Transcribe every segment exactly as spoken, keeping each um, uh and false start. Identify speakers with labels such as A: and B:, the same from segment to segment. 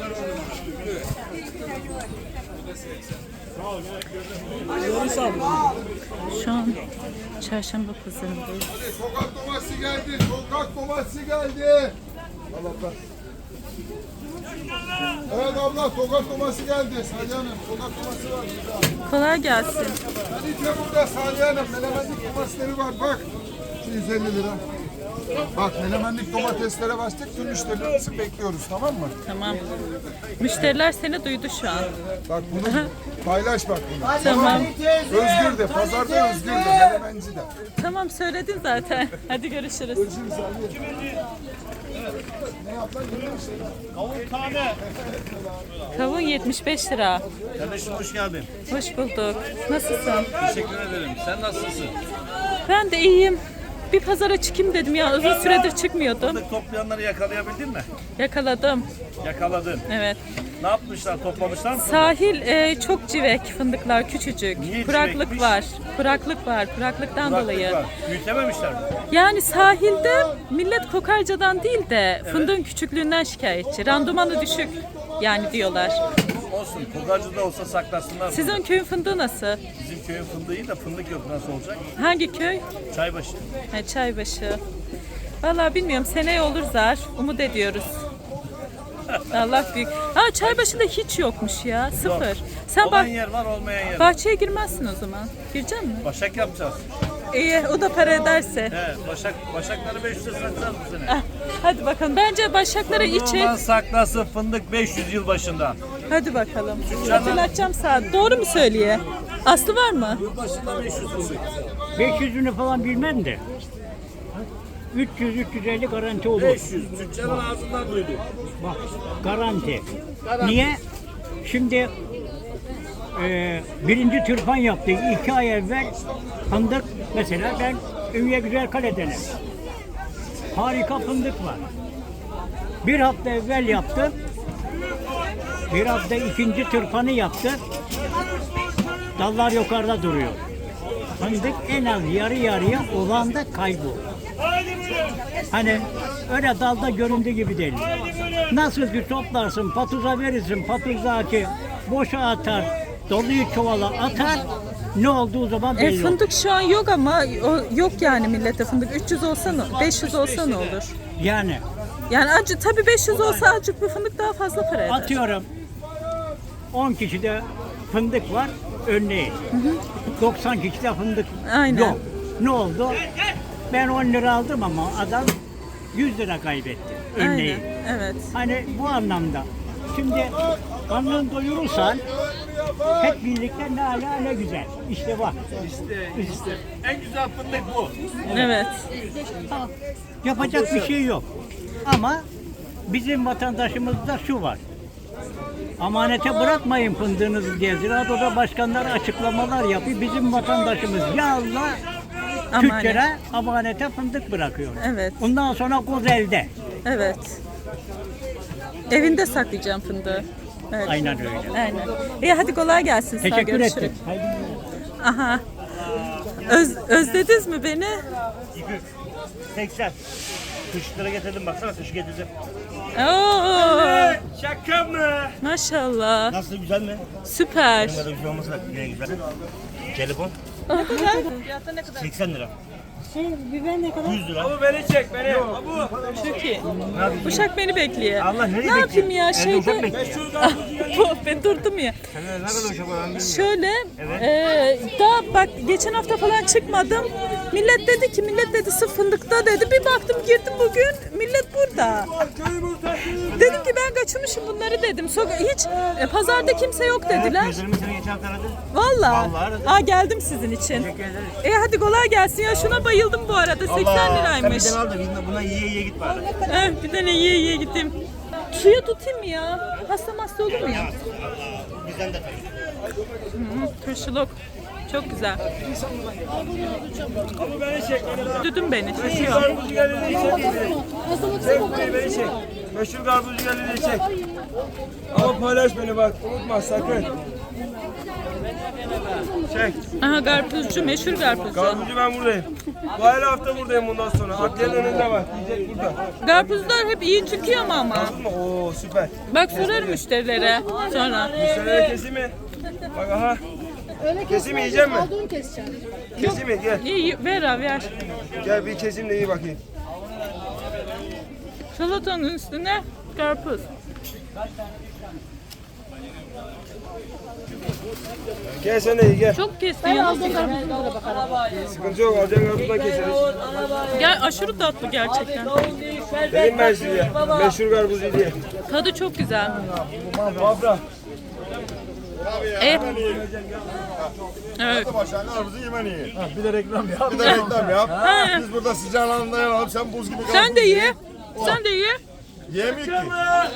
A: Şu an çarşamba pazarındayız.
B: Sokak domatesi geldi. Sokak domatesi geldi. Allah. Evet abla, sokak domatesi geldi. Salih Hanım, sokak domatesi var burada.
A: Kolay gelsin.
B: Kalite burada Salih Hanım. Menemenlik domatesleri var bak. Şu yüz elli lira. Bak menemenlik domateslere başladık. Tüm müşterilerimizi bekliyoruz, tamam mı?
A: Tamam. Müşteriler seni duydu şu an.
B: Bak bunu paylaş bak bunu.
A: Tamam.
B: Özgür de, pazarda Özgür de, menemenci de.
A: Tamam söyledin zaten. Hadi görüşürüz.
C: Kavun tane.
A: Kavun yetmiş beş lira.
C: Kardeşim hoş geldin.
A: Hoş bulduk. Nasılsın?
C: Teşekkür ederim. Sen nasılsın?
A: Ben de iyiyim. Bir pazara çıkayım dedim ya. Uzun süredir çıkmıyordum.
C: Fındık toplayanları yakalayabildin mi?
A: Yakaladım.
C: Yakaladın.
A: Evet.
C: Ne yapmışlar? Toplamışlar mı?
A: Sahil e, çok civek fındıklar küçücük.
C: Niye
A: Kuraklık
C: civekmiş?
A: var. Kuraklık var. Kuraklıktan
C: Kuraklık
A: dolayı.
C: var. Büyütememişler mi?
A: Yani sahilde millet kokarcadan değil de fındığın küçüklüğünden şikayetçi. Randımanı düşük yani diyorlar.
C: Olsun. Kokarcı da olsa saklasınlar.
A: Sizin köyün fındığı nasıl?
C: Bizim köyün fındığı iyi de fındık yok. Nasıl olacak?
A: Hangi köy?
C: Çaybaşı.
A: Ha, Çaybaşı. Vallahi bilmiyorum. Seneye olur zar. Umut ediyoruz. Allah büyük. Ha Çaybaşı'da hiç yokmuş ya. Sıfır. Sen
C: Olan
A: bak
C: yer var, olmayan yer var.
A: bahçeye girmezsin o zaman. Girecek misin?
C: Başak yapacağız.
A: İyi o da para ederse.
C: He, başak, başakları beş yüze satacağız bu sene.
A: Ah, hadi bakalım. Bence başakları içe.
C: Fındığından saklasın fındık beş yüz yıl başında.
A: Hadi bakalım. Hatırlatacağım saat. Doğru mu söyleye? Aslı var mı?
C: Başında beş yüz fındık.
D: beş yüzünü falan bilmem de. üç yüz üç yüz elli garanti olur.
C: beş yüz. Tüccarın ağzından duydum.
D: Bak garanti. Niye? Şimdi e, birinci tırpan yaptık. iki ay evvel fındık mesela ben Ünye Güzel Kale'denim. Harika fındık var. Bir hafta evvel yaptım. Bir hafta ikinci tırpanı yaptı. Dallar yukarıda duruyor. Fındık en az yarı yarıya olan da kayboldu. Hani öyle dalda göründüğü gibi değil. Nasıl ki toplarsın, patuza verirsin, patuzaki boşa atar, doluyu çuvala atar, ne olduğu zaman
A: E,
D: belli olur.
A: fındık şu an yok ama o, yok yani millete fındık. üç yüz olsa ne? beş yüz olsa ne olur?
D: Yani
A: Yani acı tabii beş yüz olsa azıcık bir fındık daha fazla para eder.
D: atıyorum on kişide fındık var, örneğin. doksan kişide fındık
A: Aynen.
D: yok. Ne oldu? Ben on lira aldım ama adam yüz lira kaybetti, örneğin.
A: Aynen. Evet.
D: Hani bu anlamda. Şimdi karnını doyurursan hep birlikte ne ala ne güzel. İşte bak.
C: İşte, işte. En güzel fındık bu.
A: Evet.
D: Ha, yapacak bir şey yok. Ama bizim vatandaşımızda şu var. Amanete bırakmayın fındığınızı diye Ziraat Oda başkanları açıklamalar yapıyor. Bizim vatandaşımız ya Allah tüccara amanete fındık bırakıyor.
A: Evet.
D: Ondan sonra koz elde.
A: Evet. Evinde saklayacağım fındığı. Evet.
D: Aynen öyle.
A: Aynen. İyi hadi kolay gelsin. Sağ ol,
D: Teşekkür
A: görüşürüz.
D: ettim. Haydi.
A: Aha. Öz, özlediniz mi beni?
C: seksen. Kışlara getirdim, baksana kış getirdim.
A: Oo,
C: Şaka mı?
A: maşallah.
C: Nasıl, güzel mi?
A: Süper.
C: Böyle bir şey olmasa da yine güzel. Telefon
A: Ne kadar? Fiyatı ne kadar?
C: seksen lira.
A: Şey, biber ne kadar?
C: yüz lira. Abu beni çek beni. Abu.
A: Çok iyi. Uşak beni bekliyor.
C: Allah nereye
A: ne yapayım
C: bekliyor?
A: ya
C: Evde
A: şeyde.
C: uşak bekliyor.
A: Bu, ben durdum ya.
C: Ne kadar uşak var annem?
A: Şöyle, e, daha bak geçen hafta falan çıkmadım. Millet dedi ki, millet dedi sırf fındıkta dedi. Bir baktım girdim bugün, millet burada. Dedim ki ben kaçırmışım bunları dedim. Soka hiç e, pazarda kimse yok dediler.
C: Gözlerimi seni geçen hafta aradı.
A: Vallahi.
C: Vallahi aradım.
A: Aa geldim sizin için. E hadi kolay gelsin ya. Şuna bayıldım bu arada. seksen liraymış.
C: Sen bir tane al da biz buna yiye yiye git bari.
A: Evet, bir tane yiye yiye gittim. Suya tutayım mı ya? Hasta hasta olur mu ya?
C: Bizden de tabii.
A: Hı, turşuluk. Çok güzel.
C: Abu beni çek.
A: Düdüm beni.
C: Meşhur
A: Şaşıyor.
C: karpuzcu geldi çek. Çek beni çek. Meşhur karpuzcu geldi çek. Ama paylaş beni bak. Unutma sakın. Çek.
A: Aha karpuzcu, meşhur karpuzcu.
C: Karpuzcu ben buradayım. Bu her hafta buradayım bundan sonra. Adliyenin önünde var. Yiyecek burada.
A: Karpuzlar hep iyi çıkıyor mu ama?
C: Anladın mı? Oo süper.
A: Bak sorarım müşterilere sonra.
C: Müşterilere keseyim mi? Bak aha. Keseyim mi, yiyecek mi?
E: Olduğunu keseceğim.
C: Keseyim mi? Gel.
A: İyi ver abi ver.
C: Gel bir keseyim de iyi bakayım.
A: Salatanın üstüne karpuz.
C: Gel sen de iyi gel.
A: Çok kestin yalnız.
C: Sıkıntı yok. Alacağın karpuzdan keseriz.
A: Gel aşırı tatlı gerçekten.
C: Dedim ben size. Meşhur karpuzcu diye.
A: Tadı çok güzel.
C: Abla.
A: Evet. Evet.
B: Başlarına arbuzu yemen iyi.
C: Bir de reklam yap.
B: Bir de reklam yap. Biz burada sıcağın altında yanalım. Sen buz gibi kal.
A: Sen de ye. Sen de ye.
B: Yemiyor ki.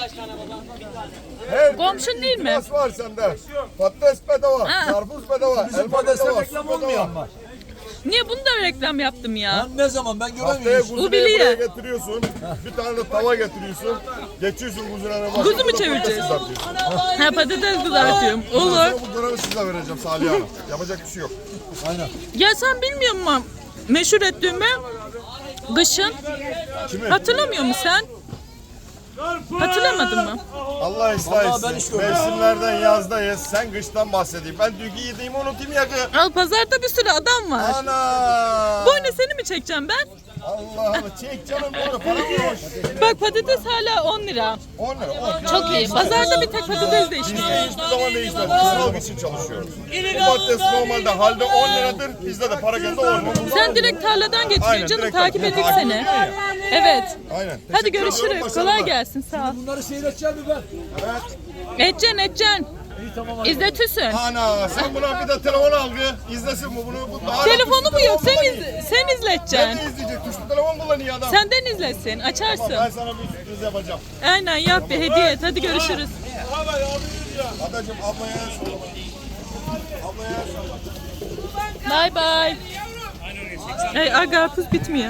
B: Her
A: Komşun değil mi?
B: Patates var sende. Patates bedava.
A: Ha.
B: Karpuz bedava.
F: Bizim
B: elma
F: patatesler
B: bedava,
F: reklam
B: su bedava.
F: olmuyor ama.
A: Niye bunu da reklam yaptım ya?
F: Lan ne zaman ben
B: Haftaya
F: göremiyorum.
B: kuzuneyi
A: biliyor.
B: buraya getiriyorsun. Bir tane de tava getiriyorsun. Geçiyorsun kuzunenin başına.
A: Kuzu mu
B: burada
A: çevireceğiz?
B: patates kızartıyorsun.
A: Ha patates kızartıyorum. Olur.
B: Sonra bu dönemi size vereceğim Salih Hanım. Yapacak bir şey yok.
F: Aynen.
A: Ya sen bilmiyor musun meşhur ettiğimi? Kışın.
B: Kimi?
A: Hatırlamıyor musun sen? Hatırlamadın mı?
B: Allah ıslah
F: Vallahi ben hiç
B: etsin.
F: görmedim.
B: Mevsimlerden yazdayız. Sen kıştan bahsedeyim. Ben dünkü yediğimi unutayım ya.
A: Al pazarda bir sürü adam var.
B: Ana!
A: Boynu seni mi çekeceğim ben?
B: Allah'ım çek canım bunu. Para mı yok?
A: Bak patates hala on lira.
B: on lira. on.
A: Çok iyi. Pazarda bir tek patates değişmiyor.
B: Biz de hiçbir zaman değişmedi. Kısmak için çalışıyoruz. Bu patates normalde halde on liradır. Bizde de para geldi on lira.
A: Sen direkt tarladan getiriyorsun
B: Aynen,
A: canım.
B: direkt
A: takip
B: takip
A: ettik seni.
B: ediyor ya.
A: Evet.
B: Aynen.
A: Hadi
B: Teşekkür ediyorum,
A: görüşürüz.
B: başarılar.
A: Kolay gelsin. Sağ ol.
F: Bunları seyredeceğim mi ben?
B: Evet.
A: Edeceksin edeceksin. İzletirsin.
B: Ana sen buna bir de telefon al bir. İzlesin bu bunu. Bu daha
A: Telefonu
B: tuşlu
A: mu yok?
B: telefon
A: Sen,
B: kullanıyor.
A: iz, sen
B: Ben
A: izleteceksin.
B: de izleyecek. Tuşlu telefon kullanıyor adam.
A: Senden izletsin.
B: Ben
A: Açarsın.
B: sana bir sürpriz yapacağım.
A: Aynen yap bir hediye et. Hadi görüşürüz.
B: Adacığım ablaya sor. Ablaya sor.
A: Bye bye. Ay, ay karpuz bitmiyor.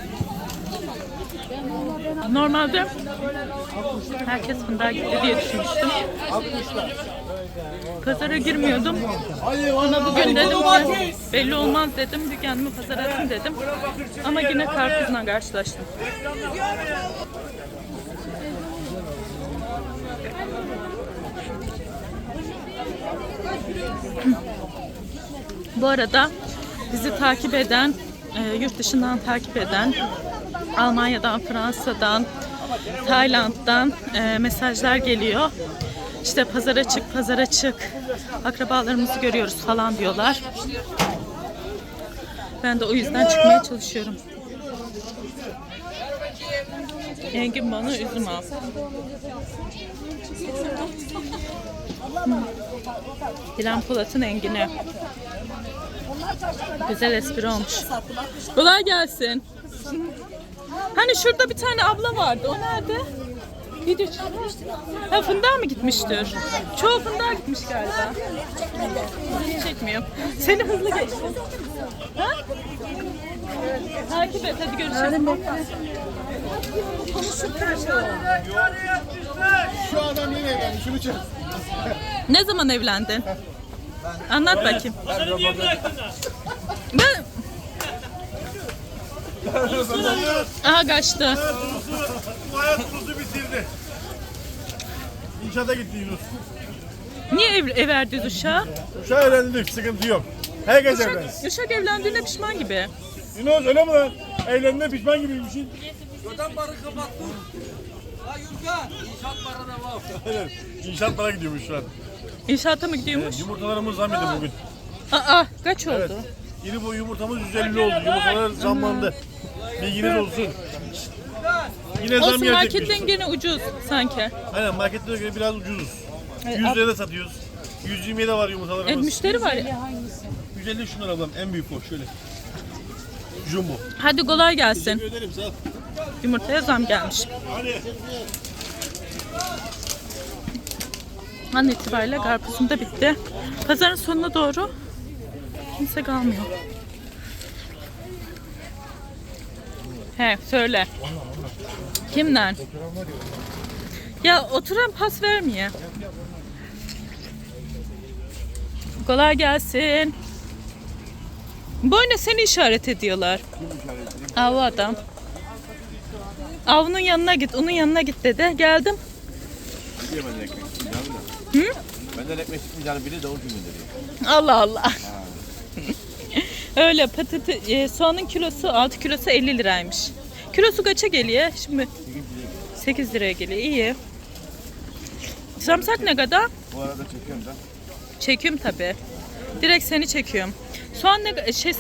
A: Normalde herkes fındığa gitti diye düşünmüştüm. Pazara girmiyordum. Ama bugün dedim ki belli olmaz dedim. Bir kendimi pazara atayım dedim. Ama yine karpuzla karşılaştım. Bu arada bizi takip eden, e, yurt dışından takip eden, Almanya'dan, Fransa'dan, Tayland'dan e, mesajlar geliyor. İşte pazara çık, pazara çık, akrabalarımızı görüyoruz falan diyorlar. Ben de o yüzden çıkmaya çalışıyorum. Engin bana üzüm al. Dilan Polat'ın engini. Güzel espri olmuş. Kolay gelsin. Hani şurada bir tane abla vardı. O nerede? Video çekmişti. Ha fındığa mı gitmiştir? Çoğu fındığa gitmiş galiba. Çekmiyor. Seni hızlı geçtim. Ha? Takip et hadi görüşürüz.
B: Şu adam yine evlendi. Şunu çek.
A: Ne zaman evlendin? Anlat bakayım. Ben... Aha kaçtı.
G: Bu hayat Yunus'u bitirdi. İnşaata gitti Yunus.
A: Niye ev, ev verdi uşağı?
G: Uşağı evlendik, sıkıntı yok. Herkes evlensin.
A: Uşak, uşak evlendiğine pişman gibi.
G: Yunus öyle mi lan? Evlendiğine pişman gibiymişsin.
F: Göden barı kapattım. Ha Yurka, inşaat barına var.
G: Aynen. İnşaat para gidiyormuş şu an.
A: İnşaata mı gidiyormuş?
G: Yumurtalarımız zam yedi bugün.
A: Aa kaç oldu?
G: Evet. Yeni bu yumurtamız yüz elli oldu. Yumurtalar zamlandı. Bilginiz olsun. Yine zam
A: Olsun
G: gelecekmiş.
A: marketten gene ucuz sanki.
G: Aynen marketlere göre biraz ucuzuz.
A: Evet,
G: yüz
A: ab-
G: liraya da satıyoruz. yüz yirmiye de var
A: E,
G: yumurtalarımız.
A: müşteri var ya.
G: yüz elli şunlar ablam en büyük o şöyle. Jumbo.
A: Hadi kolay gelsin.
G: Teşekkür ederim sağ ol.
A: Yumurtaya zam gelmiş.
G: Hadi.
A: An itibariyle karpuzum da bitti. Pazarın sonuna doğru kimse kalmıyor. He söyle. Kimden? Ya oturan pas vermiyor. Kolay gelsin. Boyuna seni işaret ediyorlar. Av adam. Avının yanına git, onun yanına git dedi. Geldim.
G: Biliyor benden ekmek çıkmayacağını da.
A: Hı?
G: Benden ekmek çıkmayacağını bilir de o gün dedi.
A: Allah Allah. Öyle patates, e, soğanın kilosu altı kilosu elli liraymış. Kilosu kaça geliyor? Şimdi sekiz liraya geliyor. İyi. Sarımsak ne kadar?
G: Bu arada çekiyorum da.
A: Çekiyorum tabii. Direkt seni çekiyorum. Soğan ne şey